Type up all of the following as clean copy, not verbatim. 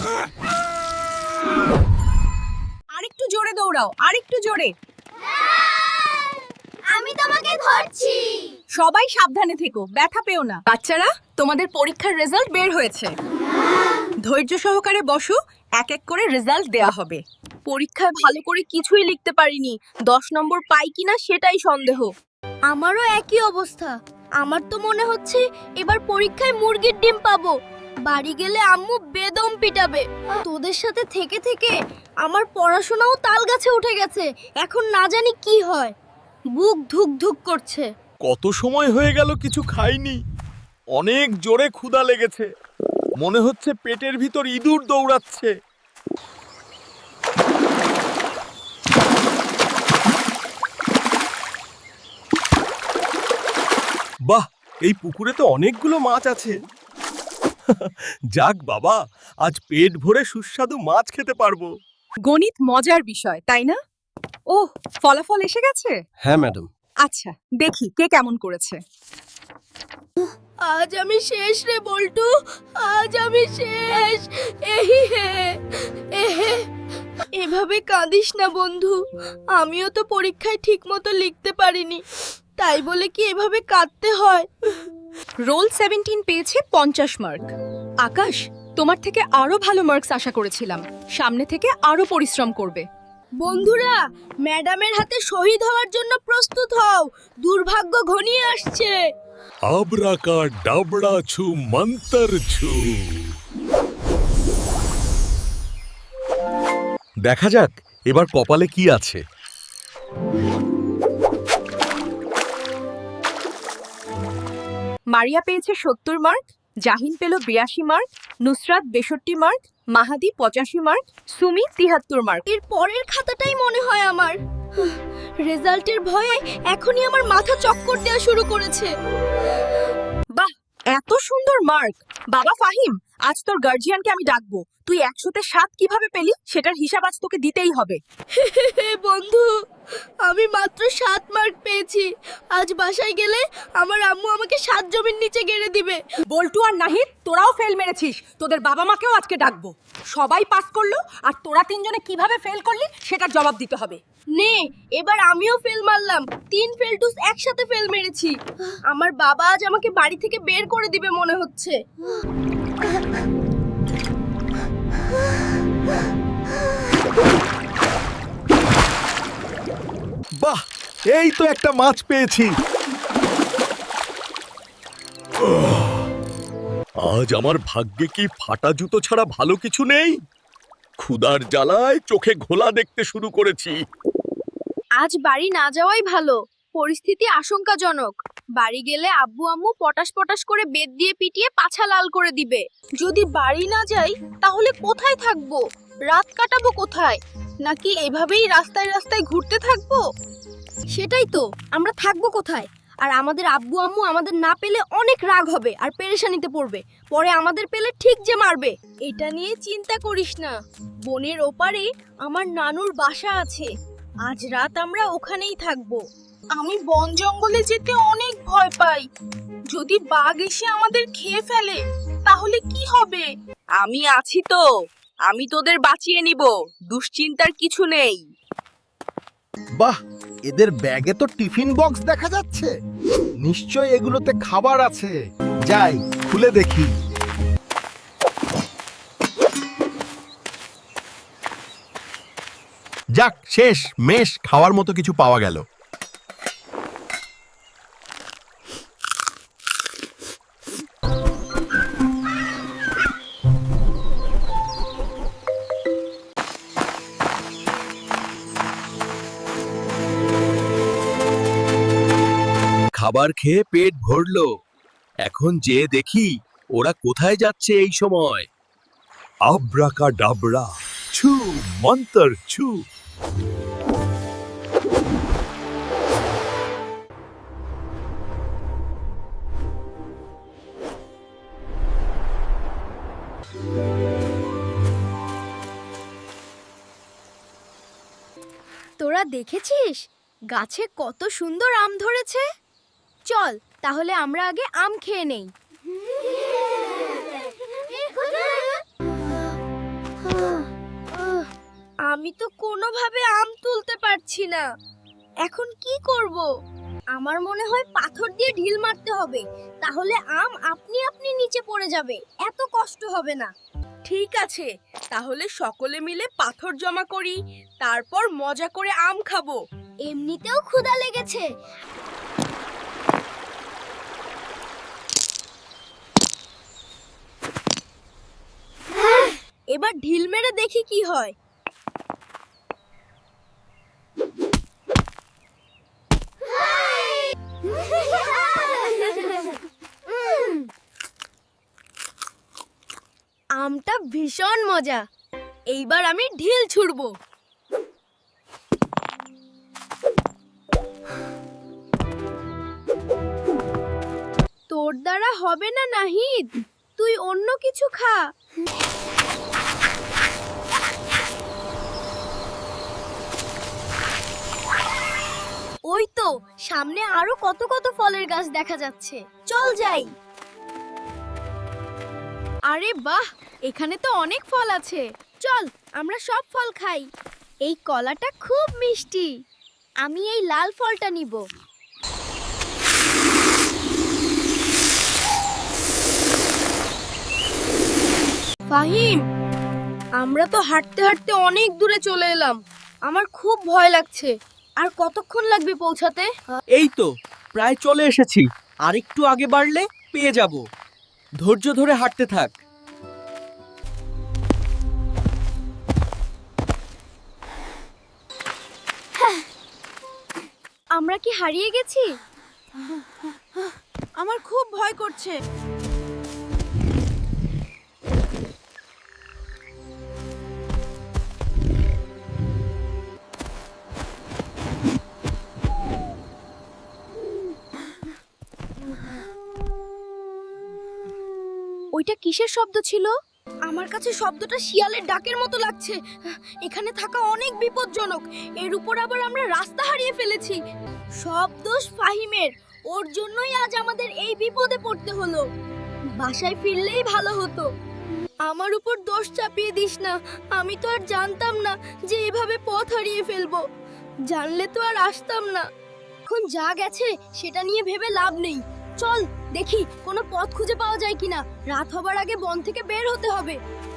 আরেকটু জোরে দৌড়াও, আরেকটু জোরে। আমি তোমাকে ধরছি। সবাই সাবধানে থেকো, ব্যথা পেও না। বাচ্চারা, তোমাদের পরীক্ষার রেজাল্ট বের হয়েছে। ধৈর্য সহকারে বসো, এক এক করে রেজাল্ট দেয়া হবে। পরীক্ষায় ভালো করে কিছুই লিখতে পারিনি, 10 নম্বর পাই কিনা সেটাই সন্দেহ। আমারও একই অবস্থা। আমার তো মনে হচ্ছে এবার পরীক্ষায় মুরগির ডিম পাবো। বাড়ি গেলে আম্মু বেদম পিটাবে। তোদের সাথে থেকে থেকে আমার পড়াশোনাও তাল গাছে উঠে গেছে। এখন না জানি কি হয়, বুক ধুক ধুক করছে। কত সময় হয়ে গেল কিছু খাইনি, অনেক জোরে ক্ষুধা লেগেছে। মনে হচ্ছে পেটের ভিতর ইঁদুর দৌড়াচ্ছে। বাহ, এই পুকুরে তো অনেকগুলো মাছ আছে। যাক বাবা, আজ পেট ভরে সুস্বাদু মাছ খেতে পারবো। গণিত মজার বিষয়, তাই না? ওহ, ফলাফল এসে গেছে। হ্যাঁ ম্যাডাম। আচ্ছা, দেখি কে কেমন করেছে। আজ আমি শেষ রে বল্টু, আজ আমি শেষ। এহি হে এহে। এভাবে কাঁদিস না বন্ধু, আমিও তো পরীক্ষায় ঠিকমতো লিখতে পারিনি, তাই বলে কি এভাবে কাঁদতে হয়? রোল 17 পেয়েছে 50 মার্ক। আকাশ, তোমার থেকে আরো ভালো মার্কস আশা করেছিলাম। সামনে থেকে আরো পরিশ্রম করবে। বন্ধুরা, ম্যাডামের হাতে শহীদ হওয়ার জন্য প্রস্তুত হও, দুর্ভাগ্য ঘনিয়ে আসছে। আবরাকা ডাবড়া ছু মন্তর ছু। দেখা যাক এবার কপালে কি আছে। মারিয়া পেয়েছে 70 মার্ক, জাহিন পেল 82 mark, Nusrat 62 mark, Mahadi 85 mark, Sumi 73 mark. এর পরের খাতাটাই মনে হয় আমার। রেজাল্টের ভয়ে এখনই আমার মাথা চক্কর দেওয়া শুরু করেছে। বাহ, এত সুন্দর মার্ক! বাবা ফাহিম, আজ তোর গার্জিয়ানকে আমি ডাকবো। তুই 100তে 7 কিভাবে পেলি সেটার হিসাব আজ তোকে দিতেই হবে। বন্ধু, আমি মাত্র 7 মার্ক পেয়েছি। আজ বাসায় গেলে আমার আম্মু আমাকে 7 জমির নিচে গেড়ে দিবে। বল্টু আর নাহিদ, তোরাও ফেল মেরেছিস। তোদের বাবা মাকেও আজকে ডাকবো। সবাই পাস করলো, আর তোরা তিনজনে কিভাবে ফেল করলি সেটার জবাব দিতে হবে। নে, এবার আমিও ফেল মারলাম। 3 ফেলটুস একসাথে ফেল মেরেছি। আমার বাবা আজ আমাকে বাড়ি থেকে বের করে দিবে মনে হচ্ছে। বাহ, এই তো একটা মাছ পেয়েছি। আজ আমার ভাগ্যে কি ফাটা জুতো ছাড়া ভালো কিছু নেই। ক্ষুধার জ্বালায় চোখে ঘোলা দেখতে শুরু করেছি। আজ বাড়ি না যাওয়াই ভালো, পরিস্থিতি আশঙ্কাজনক। বাড়ি গেলে আব্বু আম্মু পটাশ পটাশ করে বেত দিয়ে পিটিয়ে পাছা লাল করে দিবে। যদি বাড়ি না যাই তাহলে কোথায় থাকবো? রাত কাটাবো কোথায়? নাকি এভাবেই রাস্তায় রাস্তায় ঘুরতে থাকবো? সেটাই তো, আমরা থাকবো কোথায়? আর আমাদের আব্বু আম্মু আমাদের না পেলে অনেক রাগ হবে আর পেরেশানিতে পড়বে। পরে আমাদের পেলে ঠিক যে মারবে। এটা নিয়ে চিন্তা করিস না, বনের ওপারে আমার নানুর বাসা আছে। আজ রাত আমরা ওখানেই থাকবো। আমি বন জঙ্গলে যেতে অনেক ভয় পাই। যদি বাঘ এসে আমাদের খেয়ে ফেলে তাহলে কি হবে? আমি আছি তো, আমি তোদের বাঁচিয়ে নিব। দুশ্চিন্তার কিছু নেই। বাহ, এদের ব্যাগে তো টিফিন বক্স দেখা যাচ্ছে। নিশ্চয় এগুলোতে খাবার আছে। যাই, খুলে দেখি। যাক, শেষ মেশ, খাওয়ার মতো কিছু পাওয়া গেল। খাবার খেয়ে পেট ভরলো। এখন যে দেখি ওরা কোথায় যাচ্ছে এই সময়। আব্রাকা ডাবড়া ছু মন্তর ছু। তোরা দেখেছিস গাছে কত সুন্দর আম ধরেছে? চল তাহলে আমরা আগে আম খেয়ে নেই। আমি তো কোনোভাবে আম তুলতে পারছি না। এখন কি করব? আমার মনে হয় পাথর দিয়ে ঢিল মারতে হবে, তাহলে আম আপনি আপনি নিচে পড়ে যাবে, এত কষ্ট হবে না। ঠিক আছে, তাহলে সকলে মিলে পাথর জমা করি, তারপর মজা করে আম খাবো। এমনিতেও ক্ষুধা লেগেছে। এবার ঢিল মেরে দেখি কি হয়। আমটা ভীষণ মজা। এইবার আমি ঢিল ছুড়বো। তোর দ্বারা হবে না নাহিদ, তুই অন্য কিছু খা। ওই তো সামনে আরো কত কত ফলের গাছ দেখা যাচ্ছে, চল যাই। আরে বাহ, এখানে তো অনেক ফল আছে, চল আমরা সব ফল খাই। এই কলাটা খুব মিষ্টি, আমি এই লাল ফলটা নিব। ফাহিম, আমরা তো হাঁটতে হাঁটতে অনেক দূরে চলে এলাম, আমার খুব ভয় লাগছে। আর কতক্ষণ লাগবে পৌঁছাতে? এই তো প্রায় চলে এসেছি, আর একটু আগে বাড়লে পেয়ে যাব। ধৈর্য ধরে হাঁটতে থাক। আমরা কি হারিয়ে গেছি? আমার খুব ভয় করছে। ওইটা কিসের শব্দ ছিল? আমার কাছে শব্দটা শিয়ালের ডাকের মতো লাগছে। এখানে থাকা অনেক বিপজ্জনক, এর উপর আবার আমরা রাস্তা হারিয়ে ফেলেছি। সব দোষ ফাহিমের, ওর জন্যই আজ আমাদের এই বিপদে পড়তে হলো। বাসায় ফিরলেই ভালো হতো। আমার উপর দোষ চাপিয়ে দিস না, আমি তো আর জানতাম না যে এভাবে পথ হারিয়ে ফেলবো। জানলে তো আর আসতাম না। এখন যা গেছে সেটা নিয়ে ভেবে লাভ নেই। চল দেখি কোনো পথ খুঁজে পাওয়া যায় কিনা, রাত হবার আগে বন থেকে বের হতে হবে।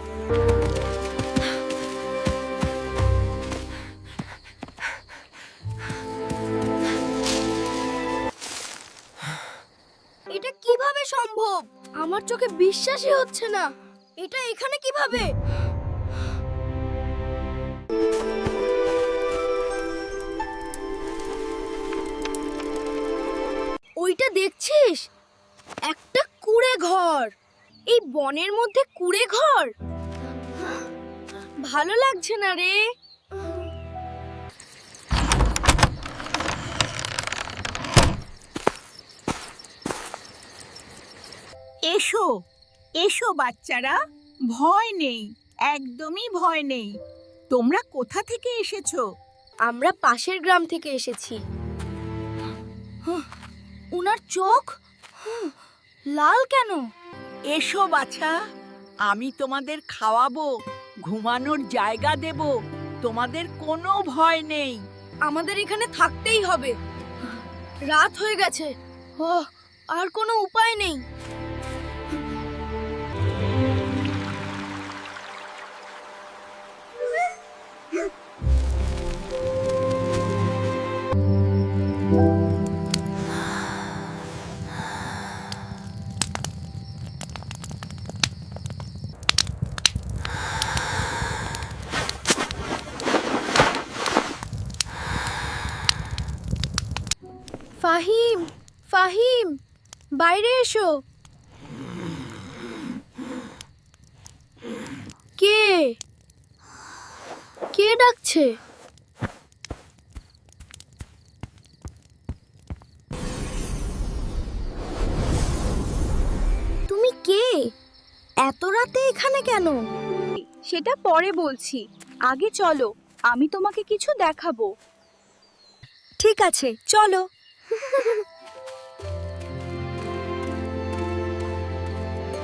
এটা কিভাবে সম্ভব? আমার চোখে বিশ্বাসই হচ্ছে না। এটা এখানে কিভাবে? ওইটা দেখছিস? একটা কুঁড়ে ঘর। এই বনের মধ্যে কুঁড়ে ঘর? ভালো লাগছে না রে। এসো এসো বাচ্চারা, ভয় নেই, একদমই ভয় নেই। তোমরা কোথা থেকে এসেছো? আমরা পাশের গ্রাম থেকে এসেছি। উনার চোখ লাল কেন? এসো বাছা, আমি তোমাদের খাওয়াবো, ঘুমানোর জায়গা দেব, তোমাদের কোনো ভয় নেই। আমাদের এখানে থাকতেই হবে, রাত হয়ে গেছে। আর কোনো উপায় নেই। ফাহিম, ফাহিম, বাইরে এসো। কে কে ডাকছে? তুমি কে? এত রাতে এখানে কেন? সেটা পরে বলছি, আগে চলো, আমি তোমাকে কিছু দেখাবো। ঠিক আছে, চলো।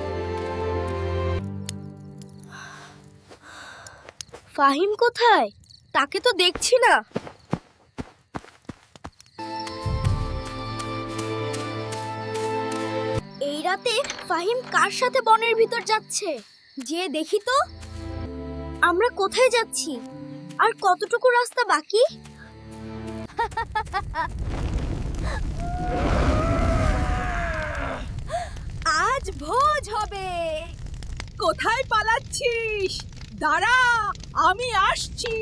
ফাহিম কোথায়? তাকে তো দেখছি না। এই রাতে ফাহিম কার সাথে বনের ভিতর যাচ্ছে? যে দেখি তো। আমরা কোথায় যাচ্ছি? আর কতটুকু রাস্তা বাকি? আজ ভোজ হবে। কোথায় পালাচ্ছিস? দাঁড়া, আমি আসছি।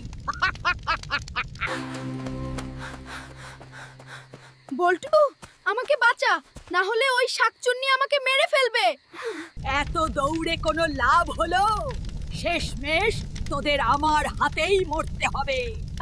বল্টু, আমাকে বাঁচা, না হলে ওই শাকচুন্নি আমাকে মেরে ফেলবে। এত দৌড়ে কোনো লাভ হলো? শেষমেশ তোদের আমার হাতেই মরতে হবে।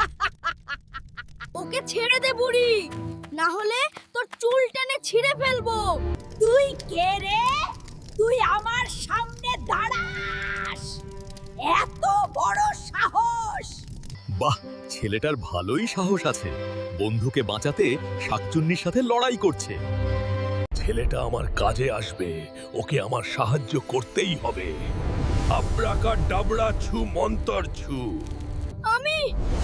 ওকে ছেড়ে দে বুড়ি, না হলে তোর চুল টেনে ছিঁড়ে ফেলবো। তুই কে রে? তুই আমার সামনে দাঁড়াস? এত বড় সাহস! বাহ, ছেলেটার ভালোই সাহস আছে। বন্ধুকে বাঁচাতে শাকচুন্নির সাথে লড়াই করছে। ছেলেটা আমার কাজে আসবে, ওকে আমার সাহায্য করতেই হবে। আব্রাকা ডাবরা ছু মন্তর ছু। আমি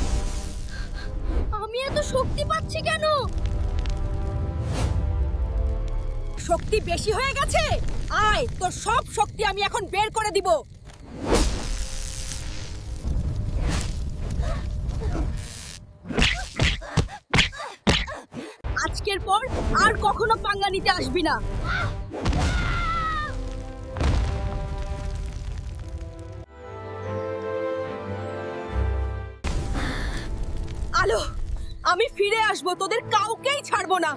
এত শক্তি পাচ্ছি কেন? শক্তি বেশি হয়ে গেছে? আয়, তোর সব শক্তি আমি এখন বের করে দিব। আজকের পর আর কখনো পাঙ্গা নিতে আসবি না। আলো, আমি ফিরে আসবো, তোদের কাউকেই ছাড়বো না।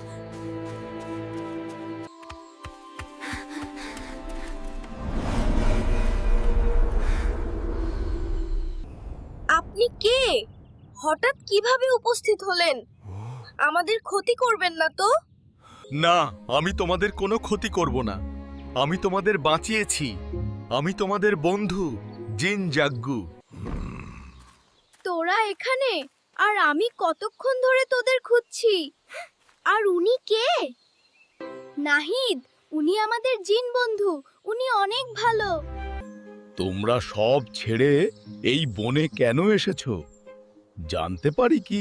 আপনি কে? হঠাৎ কিভাবে উপস্থিত হলেন? আমাদের ক্ষতি করবেন না তো? না, আমি তোমাদের কোনো ক্ষতি করব না। আমি তোমাদের বাঁচিয়েছি। আমি তোমাদের বন্ধু জিন জাগ্গু। তোরা এখানে? আর আমি কতক্ষণ ধরে তোদের খুঁজছি। আর উনি কে? নাহিদ, উনি আমাদের জিন বন্ধু। উনি অনেক ভালো। তোমরা সব ছেড়ে এই বনে কেন এসেছো জানতে পারি কি?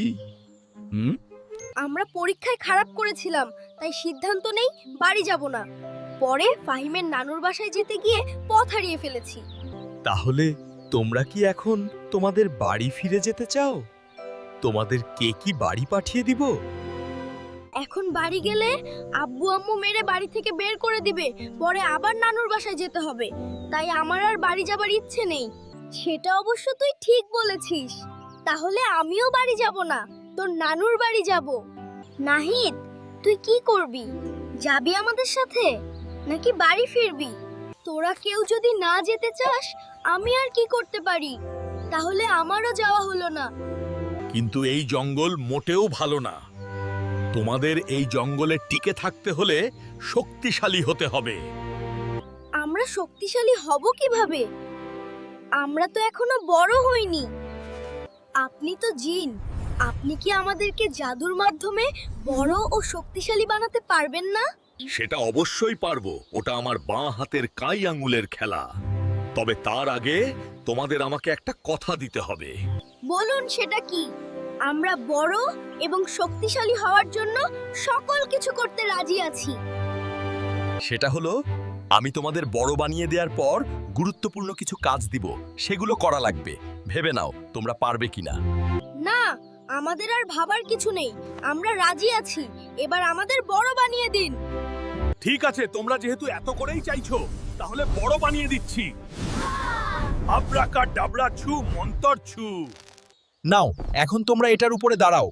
আমরা পরীক্ষায় খারাপ করেছিলাম, তাই সিদ্ধান্ত নেই বাড়ি যাব না। পরে ফাহিমের নানুর বাসায় যেতে গিয়ে পথ হারিয়ে ফেলেছি। তাহলে তোমরা কি এখন তোমাদের বাড়ি ফিরে যেতে চাও? তোমাদের কে কি বাড়ি পাঠিয়ে দিব? এখন বাড়ি গেলে আব্বু আম্মু মেরে বাড়ি থেকে বের করে দিবে। পরে আবার নানুর বাসায় যেতে হবে। তাই আমার আর বাড়ি যাবার ইচ্ছে নেই। সেটা অবশ্য তুই ঠিক বলেছিস। তাহলে আমিও বাড়ি যাব না, তোর নানুর বাড়ি যাব। নাহিদ, তুই কি করবি? যাবি আমাদের সাথে নাকি বাড়ি ফিরবি? তোরা কেউ যদি না যেতে চাস, আমি আর কি করতে পারি? তাহলে আমারও যাওয়া হলো না। কিন্তু এই জঙ্গল মোটেও ভালো না। তোমাদের এই জঙ্গলে টিকে থাকতে হলে শক্তিশালী হতে হবে। আমরা শক্তিশালী হব কিভাবে? আমরা তো এখনো বড় হইনি। আপনি তো জিন, আপনি কি আমাদেরকে জাদুর মাধ্যমে বড় ও শক্তিশালী বানাতে পারবেন না? সেটা অবশ্যই পারবো। ওটা আমার বাঁ হাতের কাই আঙুলের খেলা। তবে তার আগে তোমাদের আমাকে একটা কথা দিতে হবে। বলুন, সেটা কি? আমরা বড় এবং শক্তিশালী হওয়ার জন্য সকল কিছু করতে রাজি আছি। সেটা হলো, আমি তোমাদের বড় বানিয়ে দেওয়ার পর গুরুত্বপূর্ণ কিছু কাজ দিব। সেগুলো করা লাগবে। ভেবে নাও তোমরা পারবে কিনা। না, আমাদের আর ভাবার কিছু নেই। আমরা রাজি আছি। এবার আমাদের বড় বানিয়ে দিন। ঠিক আছে, তোমরা যেহেতু এত করেই চাইছো, তাহলে বড় বানিয়ে দিচ্ছি। আব্রাকা ডাবরা ছু মন্তর ছু। নাও, এখন তোমরা এটার উপরে দাঁড়াও।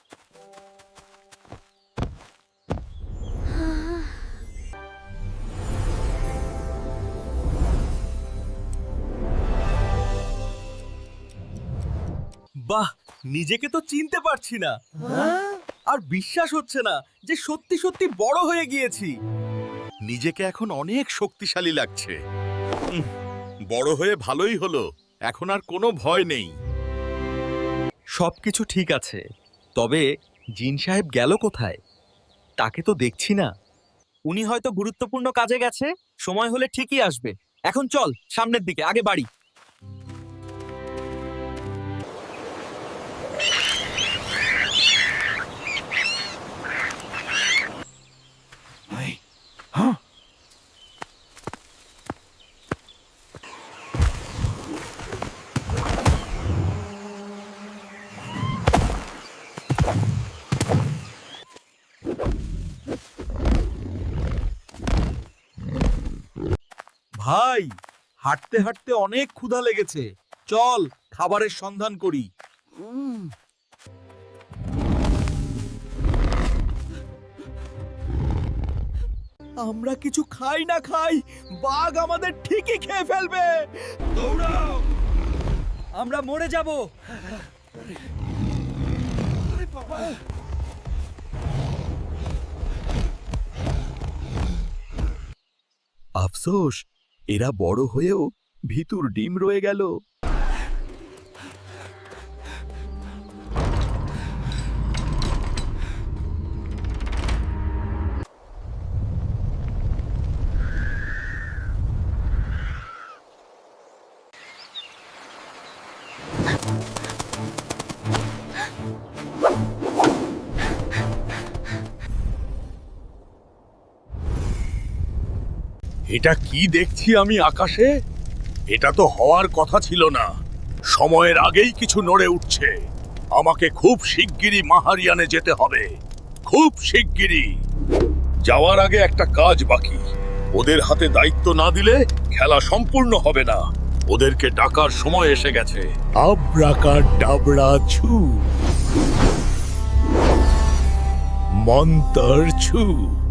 বাহ, নিজেকে তো চিনতে পারছি না। আর বিশ্বাস হচ্ছে না যে সত্যি সত্যি বড় হয়ে গিয়েছি। নিজেকে এখন অনেক শক্তিশালী লাগছে। বড় হয়ে ভালোই হলো। এখন আর কোনো ভয় নেই। সবকিছু ঠিক আছে, তবে জিন সাহেব গেল কোথায়? তাকে তো দেখছি না। উনি হয়তো গুরুত্বপূর্ণ কাজে গেছে। সময় হলে ঠিকই আসবে। এখন চল সামনের দিকে, আগে বাড়ি। ভাই, হাঁটতে হাঁটতে অনেক ক্ষুধা লেগেছে, চল খাবারের সন্ধান করি। আমরা কিছু খাই না খাই, বাঘ আমাদের ঠিকই খেয়ে ফেলবে। দৌড়াও, আমরা মরে যাব। আফসোস, এরা বড় হয়েও ভিতর ডিম রয়ে গেল। এটা কি দেখছি আমি আকাশে? এটা তো হওয়ার কথা ছিল না। সময়ের আগেই কিছু নড়ে উঠছে। আমাকে খুব শিগগিরই মাহারিয়ানে যেতে হবে, খুব শিগগিরই। যাওয়ার আগে একটা কাজ বাকি। ওদের হাতে দায়িত্ব না দিলে খেলা সম্পূর্ণ হবে না। ওদেরকে ডাকার সময় এসে গেছে। আব্রাকাডাবরা ছু, মন্তর ছু।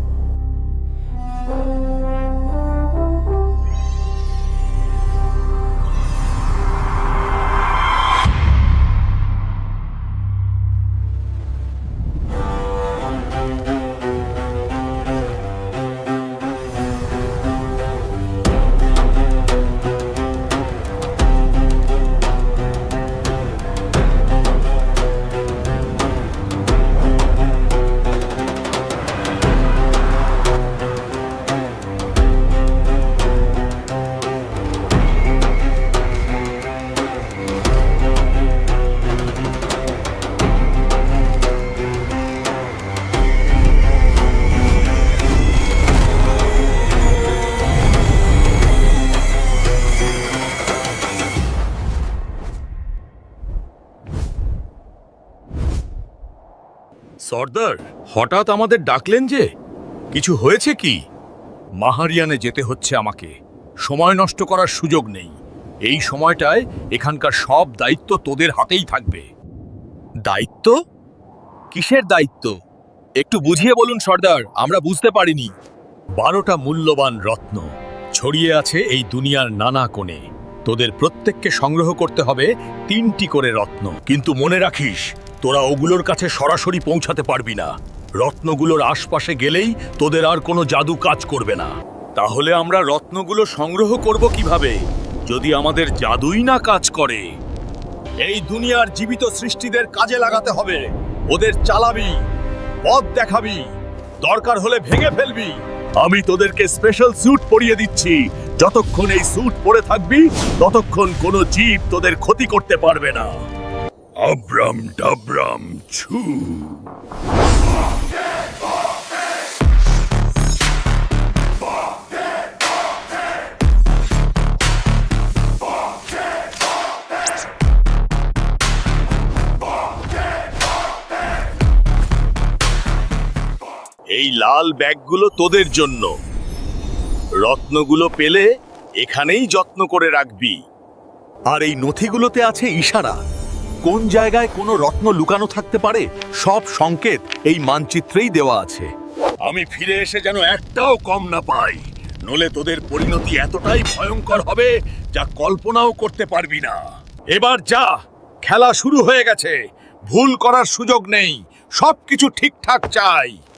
সর্দার, হঠাৎ আমাদের ডাকলেন যে? কিছু হয়েছে কি? মাহারিয়ানে যেতে হচ্ছে আমাকে। সময় নষ্ট করার সুযোগ নেই। এই সময়টায় এখানকার সব দায়িত্ব তোদের হাতেই থাকবে। দায়িত্ব? কিসের দায়িত্ব? একটু বুঝিয়ে বলুন সর্দার, আমরা বুঝতে পারিনি। 12টা মূল্যবান রত্ন ছড়িয়ে আছে এই দুনিয়ার নানা কোণে। তোদের প্রত্যেককে সংগ্রহ করতে হবে 3টি করে রত্ন। কিন্তু মনে রাখিস, তোরা ওগুলোর কাছে সরাসরি পৌঁছাতে পারবি না। রত্নগুলোর আশপাশে গেলেই তোদের আর কোনো জাদু কাজ করবে না। তাহলে আমরা রত্নগুলো সংগ্রহ করব কিভাবে, যদি আমাদের জাদুই না কাজ করে? এই দুনিয়ার জীবিত সৃষ্টিদের কাজে লাগাতে হবে। ওদের চালাবি, পথ দেখাবি, দরকার হলে ভেঙে ফেলবি। আমি তোদেরকে স্পেশাল স্যুট পরিয়ে দিচ্ছি। যতক্ষণ এই স্যুট পরে থাকবি, ততক্ষণ কোনো জীব তোদের ক্ষতি করতে পারবে না। আব্রাম ডাব্রাম ছু। এই লাল ব্যাগগুলো তোদের জন্য। রত্নগুলো পেলে এখানেই যত্ন করে রাখবি। আর এই নথিগুলোতে আছে ইশারা। কোন জায়গায় কোনো রত্ন লুকানো থাকতে পারে, সব সংকেত এই মানচিত্রেই দেওয়া আছে। আমি ফিরে এসে যেন একটাও কম না পাই, নলে তোদের পরিণতি এতটাই ভয়ঙ্কর হবে যা কল্পনাও করতে পারবি না। এবার যা, খেলা শুরু হয়ে গেছে। ভুল করার সুযোগ নেই, সবকিছু ঠিকঠাক চাই।